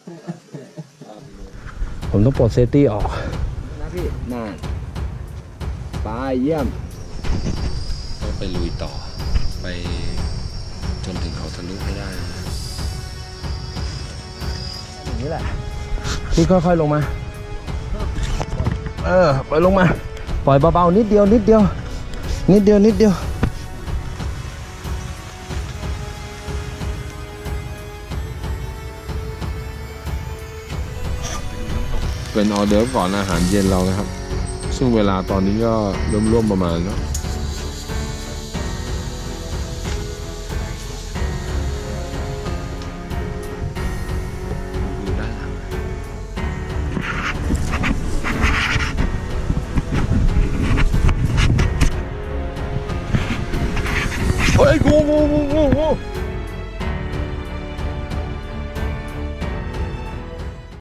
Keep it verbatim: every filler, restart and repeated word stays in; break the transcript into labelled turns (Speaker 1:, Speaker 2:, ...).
Speaker 1: ผมต้องปลดเซฟตี้ออก
Speaker 2: นะพี่น่าไปเยี่ยม
Speaker 1: ก็ไปลุยต่อไปจนถึงเขาทะลุให้ได้
Speaker 2: อย่างนี้แหละ
Speaker 1: พี่ค่อยๆลงมาเออปล่อยลงมาปล่อยเบาๆนิดเดียวนิดเดียวนิดเดียวนิดเดียวเป็นออเดิร์ฟก่อนอาหารเย็นเรานะครับซึ่งเวลาตอนนี้ก็ร่วมๆประมาณเนาะอยู่ด้านหลังเฮ้ยงูงูงูงูงู